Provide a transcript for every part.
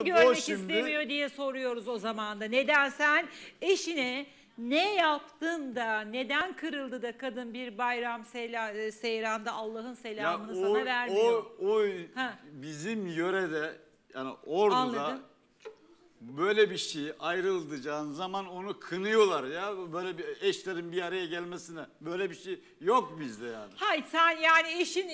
görmek şimdi istemiyor diye soruyoruz o zaman da. Neden sen eşine ne yaptın da, neden kırıldı da kadın bir bayram seyranda Allah'ın selamını sana vermiyor? O Ha. bizim yörede, yani Ordu'da Anladım. böyle bir şey ayrılacağın zaman onu kınıyorlar ya. Böyle bir eşlerin bir araya gelmesine. Böyle bir şey yok bizde yani. Hayır, sen yani eşin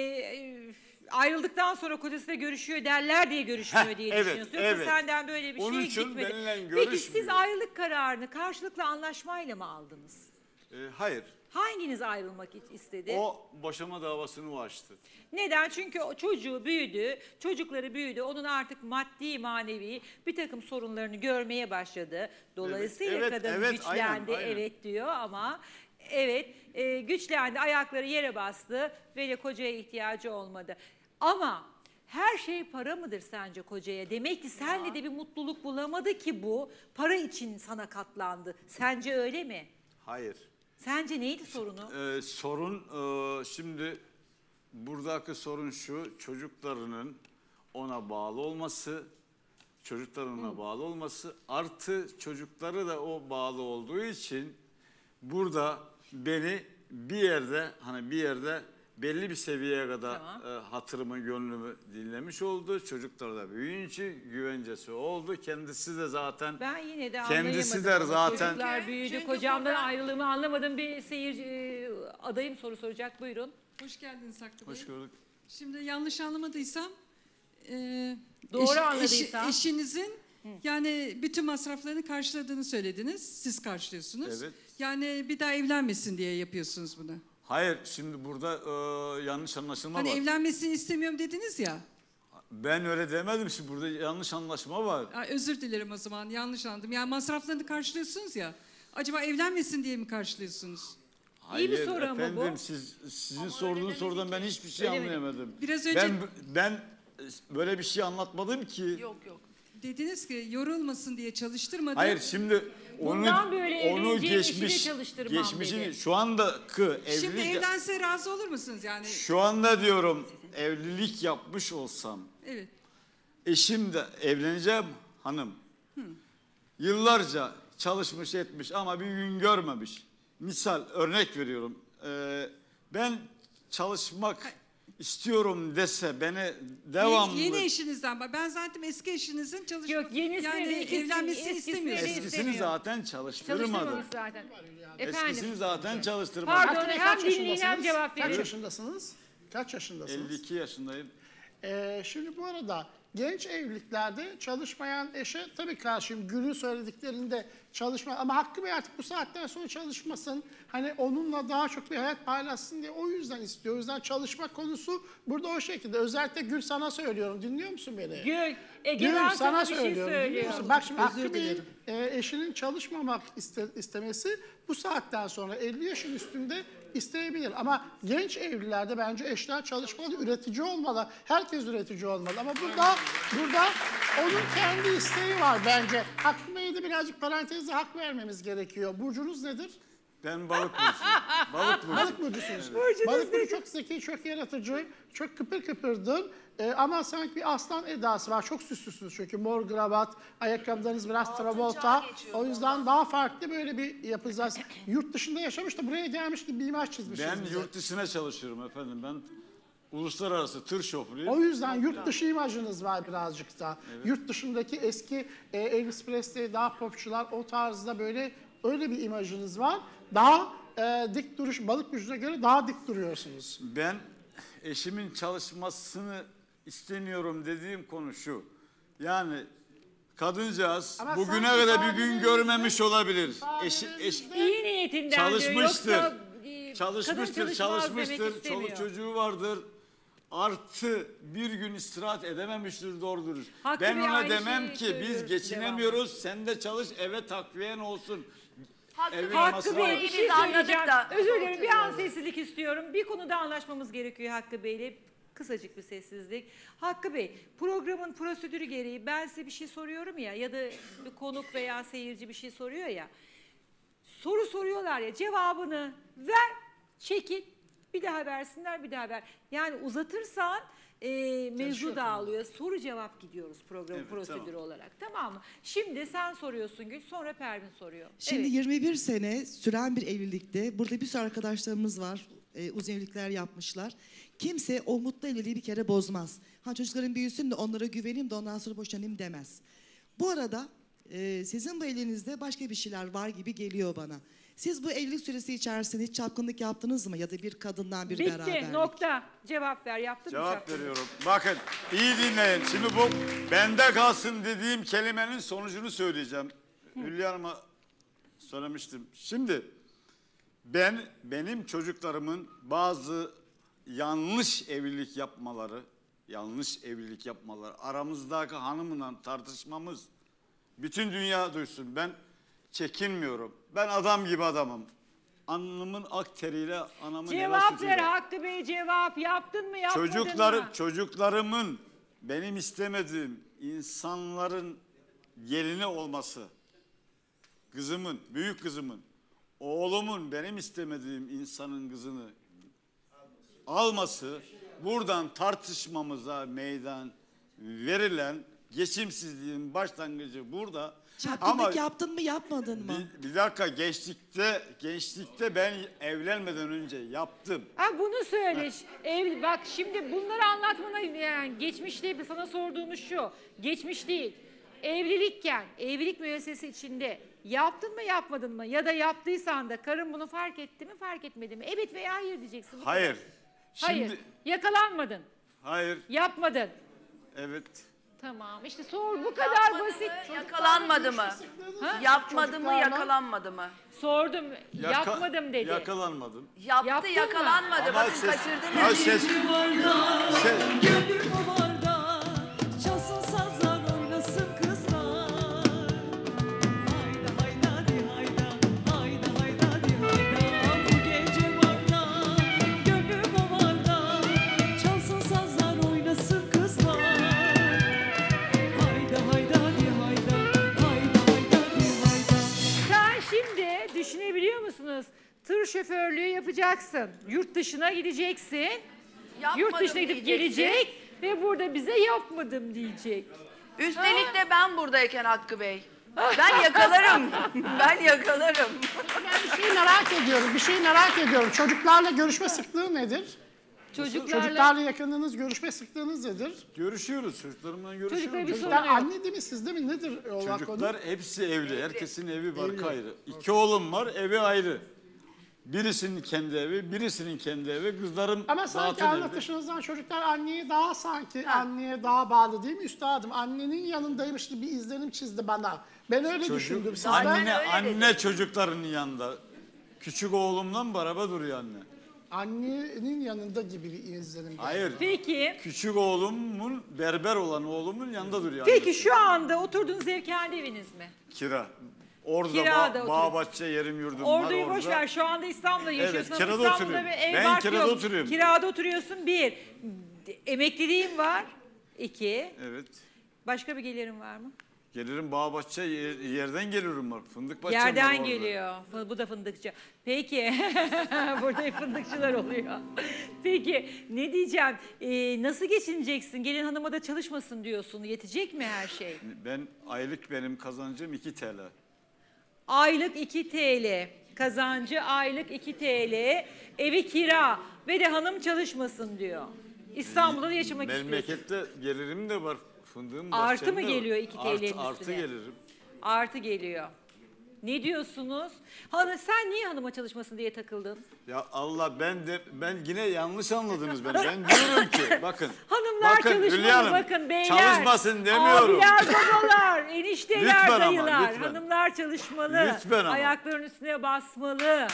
ayrıldıktan sonra kocasıyla görüşüyor derler diye görüşmüyor diye evet, düşünüyorsun. Yoksa evet. senden böyle bir Onun şey için gitmedi. benimle Peki siz görüşmüyor. ayrılık kararını karşılıklı anlaşmayla mı aldınız? Hayır. Hanginiz ayrılmak istedi? O boşama davasını açtı. Neden? Çünkü o çocuğu büyüdü, çocukları büyüdü. Onun artık maddi, manevi bir takım sorunlarını görmeye başladı. Dolayısıyla Evet, kadın evet, güçlendi, aynen. evet diyor ama evet güçlendi, ayakları yere bastı ve de kocaya ihtiyacı olmadı. Ama her şey para mıdır sence kocaya? Demek ki senle de bir mutluluk bulamadı ki bu para için sana katlandı. Sence öyle mi? Hayır. Sence neydi sorunu? Sorun şimdi buradaki sorun şu: çocuklarının ona bağlı olması, çocuklarına bağlı olması, artı çocukları da o bağlı olduğu için burada beni bir yerde belli bir seviyeye kadar hatırımı, gönlümü dinlemiş oldu. Çocuklar da büyüyünce güvencesi oldu. Kendisi de zaten Ben yine de kendisi de anlayamadım. zaten Çocuklar büyüdü, Çünkü kocamdan burada- ayrılığımı anlamadım. Bir seyirci adayım soru soracak, buyurun. Hoş geldiniz Hakkı Bey. hoş gördük. Şimdi yanlış anlamadıysam Doğru anladıysam. eşinizin yani bütün masraflarını karşıladığını söylediniz. Siz karşılıyorsunuz. Evet. Yani bir daha evlenmesin diye yapıyorsunuz bunu. Hayır, şimdi burada yanlış anlaşılma Hani var. evlenmesini istemiyorum dediniz ya. Ben öyle demedim, şimdi burada yanlış anlaşma var. Özür dilerim o zaman, yanlış anladım. Yani masraflarını karşılıyorsunuz ya. Acaba evlenmesin diye mi karşılıyorsunuz? İyi bir Hayır soru ama efendim, bu. sizin sorduğunuz sorudan ben hiçbir şey Öyle mi? anlayamadım. Biraz önce- Ben böyle bir şey anlatmadım ki. Yok. Dediniz ki yorulmasın diye çalıştırmadım. Hayır, şimdi Bundan böyle onu evleneceğim eşi de geçmiş, çalıştırmam geçmişini dedi. şu andaki Şimdi evlilik, evlense razı olur musunuz yani? şu anda diyorum evlilik yapmış olsam, Evet. eşim de evleneceğim hanım. Yıllarca çalışmış etmiş ama bir gün görmemiş. Misal örnek veriyorum. Ben çalışmak istiyorum dese beni devamlı... Yeni eşinizden bak. Ben zaten eski eşinizin çalışmak... Yok, yenisini yani de ikisini- evlenmesini eskisini de istemiyorum. Eskisini istemiyor. zaten çalıştırmadı. Çalıştırmamış zaten. Eskisini Efendim, zaten çalıştırmadı. pardon Hakkı Bey, hem kaç dinleyin hem yaşındasınız? cevap Kaç verin. yaşındasınız? Kaç yaşındasınız? 52 yaşındayım. Şimdi bu arada genç evliliklerde çalışmayan eşe tabii karşıyım. Gül'ün söylediklerinde çalışma ama Hakkı Bey artık bu saatten sonra çalışmasın. Hani onunla daha çok bir hayat paylaşsın diye o yüzden istiyor. O yüzden çalışma konusu burada o şekilde. Özellikle Gül sana söylüyorum. Dinliyor musun beni? Gül, Ege Gül ben sana sana bir şey söylüyorum. Dinliyor söylüyorum. musun? Bak şimdi Özür Hakkı Bey'in dilerim. eşinin çalışmamak istemesi bu saatten sonra 50 yaşın üstünde isteyebilir. Ama genç evlilerde bence eşler çalışmalı, üretici olmalı. Herkes üretici olmalı. Ama burada onun kendi isteği var bence. Hakkı Bey'e de birazcık parantezde hak vermemiz gerekiyor. Burcunuz nedir? Ben balık burcuyum. Balık burcu. Balık burcusunuz. Balık burcu çok zeki, çok yaratıcı, çok kıpır kıpırdır. Ama sanki bir aslan edası var. Çok süslüsünüz çünkü mor kravat, ayakkabılarınız biraz Travolta. O yüzden daha farklı böyle bir yapacağız. Yurt dışında yaşamış da buraya gelmiş gibi bir imaj çizmişsiniz Ben bize. yurt dışına çalışıyorum efendim. Ben uluslararası tır şoförüyüm. O yüzden yurt dışı imajınız var birazcık da. Yurt dışındaki eski Elvis Presley, daha popçular o tarzda böyle öyle bir imajınız var. Daha dik duruş, balık burcuna göre daha dik duruyorsunuz. Ben eşimin çalışmasını istemiyorum dediğim konu şu. Yani kadıncağız Ama bugüne sanki kadar bir gün sahnelerinizde- görmemiş olabilir. sahnelerinizde- İyi niyetinden Çalışmıştır. diyor. Yoksa Çalışmıştır, kadın çalışmaz demek çalışmıştır. istemiyor. Çoluk çocuğu vardır. Artı bir gün istirahat edememiştir doğru dürüst. Hakkı Ben Bey ona aynı demem şeyi ki söylüyoruz biz geçinemiyoruz. Sen de çalış, eve takviyen olsun. Evin Hakkı masrafı- Bey bir şey Biz anladık söyleyeceğim. da. Özür dilerim, bir an sessizlik istiyorum. Bir konuda anlaşmamız gerekiyor Hakkı Bey'le. Kısacık bir sessizlik. Hakkı Bey, programın prosedürü gereği ben size bir şey soruyorum ya da bir konuk veya seyirci bir şey soruyor ya. Soru soruyorlar ya, cevabını ver, çekil. Bir daha versinler, bir daha ver. Yani uzatırsan mevzu dağılıyor. Soru cevap gidiyoruz programın Evet, prosedürü tamam. olarak. Tamam mı? Şimdi sen soruyorsun Gül, sonra Pervin soruyor. Şimdi Evet. 21 sene süren bir evlilikte burada bir sürü arkadaşlarımız var. Uzun evlilikler yapmışlar. Kimse o mutlu evliliği bir kere bozmaz. Ha çocukların büyüsün de onlara güveneyim de ondan sonra boşanayım demez. Bu arada sizin bu evliliğinizde başka bir şeyler var gibi geliyor bana. Siz bu evlilik süresi içerisinde hiç çapkınlık yaptınız mı? Ya da bir kadından bir beraberlik? Bitti, nokta. Cevap ver, yaptın mı? Cevap şarkıyı? veriyorum. Bakın iyi dinleyin. Şimdi bu bende kalsın dediğim kelimenin sonucunu söyleyeceğim. Hülya Hanım'a söylemiştim. Şimdi benim çocuklarımın bazı yanlış evlilik yapmaları, aramızdaki hanımla tartışmamız bütün dünya duysun. Ben çekinmiyorum. Ben adam gibi adamım. Alnımın ak teriyle anamın helal Cevap sütüyle. ver Hakkı Bey, cevap. Yaptın mı, yapmadın mı? Çocuklarımın benim istemediğim insanların gelini olması, kızımın, büyük kızımın, oğlumun benim istemediğim insanın kızını alması, buradan tartışmamıza meydan verilen geçimsizliğin başlangıcı burada. Çapkınlık yaptın mı yapmadın mı? Bir dakika, gençlikte ben evlenmeden önce yaptım. Ha bunu söyle. Bak şimdi bunları anlatmana yani geçmişte sana sorduğumuz şu. Geçmiş değil. Evlilikken, evlilik müessesesi içinde yaptın mı yapmadın mı? Ya da yaptıysan da karın bunu fark etti mi fark etmedi mi? Evet veya hayır diyeceksin. Bu Hayır. kadar. Hayır. Şimdi, Yakalanmadın. hayır. Yapmadın. Evet. Tamam işte sor bu kadar basit. Yakalanmadı mı? Yapmadı mı, Çocuklarla- yakalanmadı mı? Sordum yapmadım dedi. Yakalanmadım. Yaptı, Yaptın mı? yakalanmadı. Ama Bakın ses- kaçırdınız. Ya ses- Gönlüm havarda, çalsın sazlar, oynasın kızlar. Hayda hayda di hayda, hayda hayda di hayda. Bu gece barda, gönlüm havarda, çalsın sazlar, oynasın kızlar. Hayda hayda di hayda, hayda hayda di hayda. Sen şimdi düşünebiliyor musunuz? Tır şoförlüğü yapacaksın. Yurt dışına gideceksin. Yurt Yapmadım dışına gidip diyeceksin. gelecek ve burada bize yapmadım diyecek. Üstelik de ben buradayken Hakkı Bey. Ben yakalarım. Ben yakalarım. Ben bir şey merak ediyorum. Çocuklarla görüşme sıklığı nedir? Çocuklarla yakınlığınız, görüşme sıklığınız nedir? Görüşüyoruz. Çocuklarımla görüşüyoruz. Çocuklara bir Çocuklar sorun yok. anne değil mi, sizde mi? Nedir olan Çocuklar konu? hepsi evli. Herkesin evi var ayrı. 2 oğlum var, evi ayrı. Birisinin kendi evi, birisinin kendi evi. Kızlarım Ama sanki zaten evli. anlatışınızdan çocuklar anneye daha bağlı değil mi üstadım? Annenin yanındaymış gibi bir izlenim çizdi bana. Ben öyle düşündüm. Sizler Anne çocuklarının yanında. Küçük oğlumla beraber duruyor anne. annenin yanında gibi bir izlenim. Hayır. Peki. Küçük oğlumun, berber olan oğlumun yanında duruyor Peki annesi. şu anda oturduğunuz ev kendi eviniz mi? Kira. Orada Kirada bağ oturuyor. bahçe yerim yurdum var Orduyu orada. boş ver. Şu anda İstanbul'da yaşıyorsun. Evet, ama kirada İstanbul'da oturuyorum. bir ev Ben bark kirada yok. oturuyorum. Kirada oturuyorsun bir. Emekliliğin var. İki. Evet. Başka bir gelirin var mı? Gelirim bağ bahçe yerden gelirim var. Fındık bahçem var Yerden orada. geliyor. Bu da fındıkçı. Peki. Burada hep fındıkçılar oluyor. Peki ne diyeceğim? Nasıl geçineceksin? Gelin hanıma da çalışmasın diyorsun. Yetecek mi her şey? Aylık benim kazancım 2 TL. Aylık 2 TL. Kazancı aylık 2 TL. Evi kira. Ve de hanım çalışmasın diyor. İstanbul'da da yaşamak istiyorsun. Memlekette gelirim de var. Fındığım Artı bahçem mı de var. geliyor 2 TL'nin üstüne? Artı gelirim. Artı geliyor. Ne diyorsunuz? Sen niye hanıma çalışmasın diye takıldın? Ya Allah ben yine yanlış anladınız beni. Ben diyorum ki bakın. Hanımlar bakın, çalışmalı, Hülya Hanım, bakın beyler. Çalışmasın demiyorum. Abiler, babalar, enişteler, Lütfen ama, dayılar. lütfen. Hanımlar çalışmalı. Lütfen ama. Ayaklarının üstüne basmalı.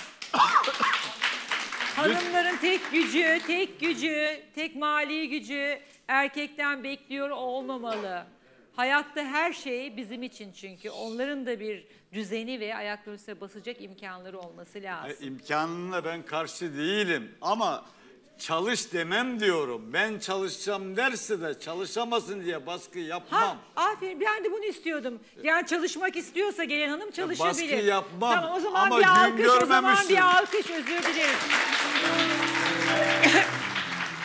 Hanımların tek gücü, tek mali gücü erkekten bekliyor olmamalı. Hayatta her şey bizim için çünkü. Onların da bir düzeni ve ayaklarının üstüne basacak imkanları olması lazım. İmkanına ben karşı değilim ama çalış demem diyorum. Ben çalışacağım derse de çalışamasın diye baskı yapmam. Ha, aferin ben de bunu istiyordum. Yani çalışmak istiyorsa gelen hanım çalışabilir. baskı yapmam Tamam o zaman ama bir gün alkış, o zaman görmemişsin. bir alkış, özür dileriz. O zaman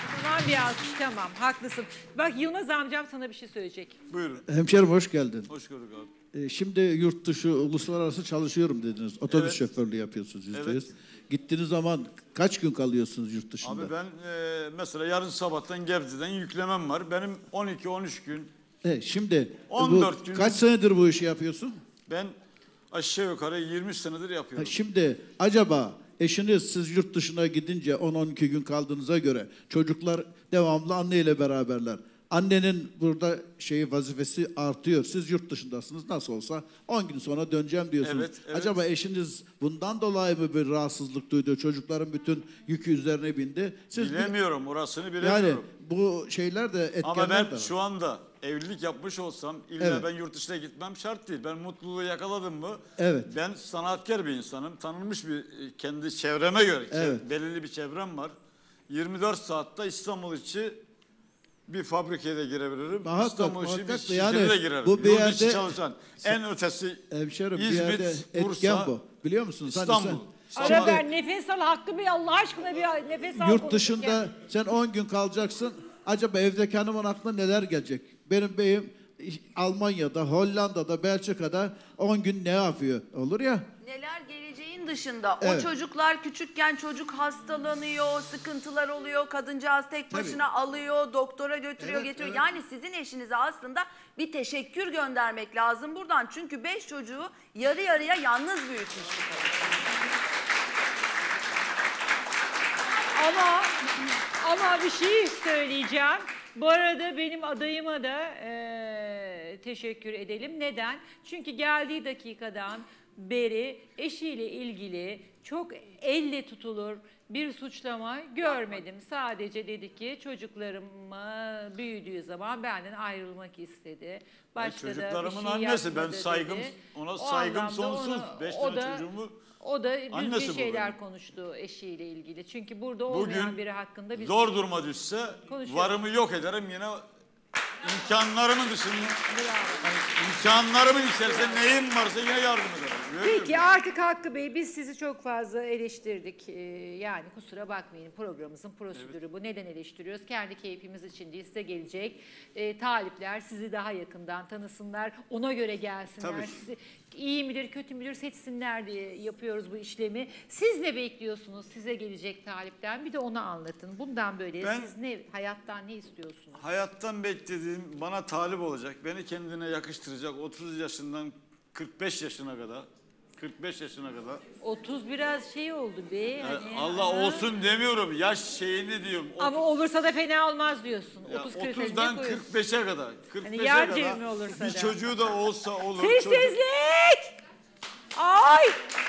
bir alkış, tamam, haklısın. Bak Yılmaz amcam sana bir şey söyleyecek. Buyurun. Hemşerim hoş geldin. Hoş gördük abi. Şimdi yurt dışı, uluslararası çalışıyorum dediniz. Otobüs Evet. şoförlüğü yapıyorsunuz %100. Evet. Gittiğiniz zaman kaç gün kalıyorsunuz yurt dışında? Abi ben mesela yarın sabahtan Gebze'den yüklemem var. Benim 12-13 gün. Şimdi 14 gün. kaç senedir bu işi yapıyorsun? Ben aşağı yukarı 20 senedir yapıyorum. Şimdi acaba eşiniz siz yurt dışına gidince 10-12 gün kaldığınıza göre çocuklar devamlı anneyle beraberler. Annenin burada vazifesi artıyor. Siz yurt dışındasınız. Nasıl olsa 10 gün sonra döneceğim diyorsunuz. Evet, evet. Acaba eşiniz bundan dolayı mı bir rahatsızlık duydu? Çocukların bütün yükü üzerine bindi. Siz Bilemiyorum, orasını yani bilemiyorum. bu şeyler de etkenler Ama ben de var. şu anda evlilik yapmış olsam illa Evet. ben yurt dışına gitmem şart değil. Ben mutluluğu yakaladım mı? Evet. Ben sanatkar bir insanım. Tanınmış bir kendi çevreme göre. Evet. Belirli bir çevrem var. 24 saatte İstanbul içi bir fabrikaya da girebilirim. Muhakkak, İstanbul içi bir muhakkak da şirkete yani de girerim. bu bir Yurt içi yerde- çalışan en ötesi Hemşerim bir İzmit, yerde etken Bursa, bu. Biliyor musunuz? Hani İstanbul. sen- Ara ver, nefes al Hakkı Bey, Allah aşkına bir nefes al. Yurt dışında sen 10 gün kalacaksın. Acaba evdeki hanımın aklına neler gelecek? Benim beyim Almanya'da, Hollanda'da, Belçika'da 10 gün ne yapıyor? Olur ya. Neler geleceğin dışında. O Evet. çocuklar küçükken çocuk hastalanıyor, sıkıntılar oluyor. Kadıncağız tek başına alıyor, doktora götürüyor, Evet, getiriyor. evet. Yani sizin eşinize aslında bir teşekkür göndermek lazım buradan. Çünkü 5 çocuğu yarı yarıya yalnız büyütmüş. Ama bir şey söyleyeceğim. Bu arada benim adayıma da teşekkür edelim. Neden? Çünkü geldiği dakikadan beri eşiyle ilgili çok elle tutulur bir suçlama görmedim. Sadece dedi ki çocuklarım büyüdüğü zaman benden ayrılmak istedi. Başka da bir çocuklarımın şey annesi. Ben yapmadı saygım, dedi. ona O saygım anlamda sonsuz. ona- 5 o tane da- çocuğumu O da Annesi düzgün bu şeyler benim. konuştu eşiyle ilgili. Çünkü burada olmayan bugün biri hakkında biz zor duruma düşse konuşuyoruz. varımı yok ederim, yine imkanlarımın dışında, Bravo. imkanlarımın içerisinde neyim varsa yine yardım ederim. Peki artık Hakkı Bey, biz sizi çok fazla eleştirdik. Yani kusura bakmayın, programımızın prosedürü bu. Neden eleştiriyoruz? Kendi keyfimiz için değil, size gelecek talipler sizi daha yakından tanısınlar. Ona göre gelsinler. Tabii. Sizi iyi midir kötü müdür seçsinler diye yapıyoruz bu işlemi. Siz ne bekliyorsunuz size gelecek talipten? Bir de onu anlatın. Bundan böyle Ben- siz hayattan ne istiyorsunuz? Hayattan beklediğim, bana talip olacak, beni kendine yakıştıracak 30 yaşından 45 yaşına kadar. 45 yaşına kadar. 30 biraz şey oldu be. Yani hani, Allah olsun demiyorum, yaş şeyini diyorum. Ama olursa da fena olmaz diyorsun. Ya 30-40'dan 30'dan 45'e kadar. 45'e yan kadar cebime olursa bir da. çocuğu da olsa olur. Sessizlik! Ay!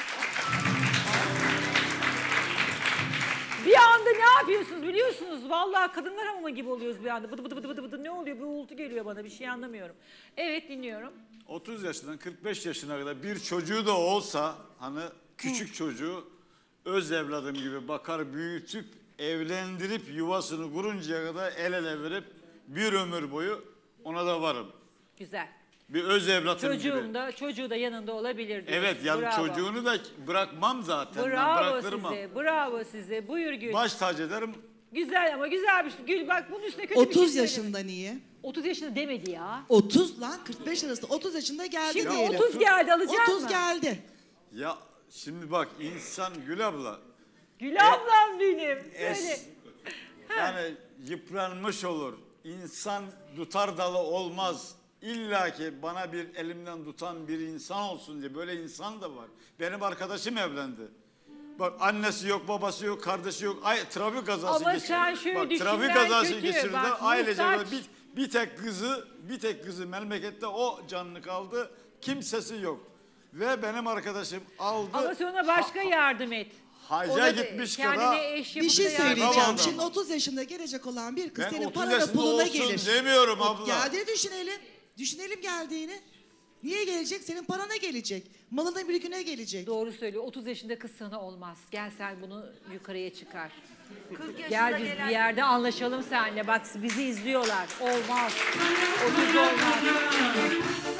Bir anda ne yapıyorsunuz biliyorsunuz? Vallahi kadınlar hamamı gibi oluyoruz bir anda. Bıdı bıdı bıdı bıdı bıdı. Ne oluyor? Bir uğultu geliyor bana. Bir şey anlamıyorum. Evet, dinliyorum. 30 yaşından 45 yaşına kadar bir çocuğu da olsa, hani küçük çocuğu öz evladım gibi bakar, büyütüp evlendirip yuvasını kuruncaya kadar el ele verip bir ömür boyu ona da varım. Güzel. Bir öz evlatım gibi. Çocuğu da yanında olabilir diyorsun. Evet, yani Bravo. çocuğunu da bırakmam zaten. Ben Bravo bıraktırmam. size. Bravo size. Buyur Gül. Baş tac ederim. Güzel ama güzel bir şey. Gül bak bunun üstüne kötü bir şey 30 söyleme. yaşında niye? 30 yaşında demedi ya. 30 lan 45 arasında 30 yaşında geldi Şimdi diyelim. 30 geldi, alacak 30 mı? geldi. Ya şimdi bak, insan Gül abla Gül ablam benim. Söyle. yani yıpranmış olur. İnsan tutar dalı olmaz. İlla ki bana bir elimden tutan bir insan olsun diye, böyle insan da var. Benim arkadaşım evlendi. Bak, annesi yok, babası yok, kardeşi yok. Trafik kazası Ama geçirdi. sen şöyle Bak, düşün, trafik ben kazası kötü. geçirdi. Bak, Ailece muhtaç. bir tek kızı memlekette, o canlı kaldı. Kimsesi yok. Ve benim arkadaşım aldı. Ama sen ona başka yardım et. Hacca Ona da gitmiş kendine kadar. eş Bir yapıp şey da yardım et. söyleyeceğim. Tamam. Şimdi 30 yaşında gelecek olan bir kız Ben senin 30 parana yaşında puluna olsun gelir. demiyorum abla. Geldiğini düşünelim. Düşünelim geldiğini. Niye gelecek? Senin parana gelecek. Malına mülküne gelecek. Doğru söylüyor. 30 yaşında kız sana olmaz. Gel sen bunu yukarıya çıkar. 40 yaşında Gel biz gelen bir yerde anlaşalım seninle. Bak bizi izliyorlar. Olmaz. 30 olmaz.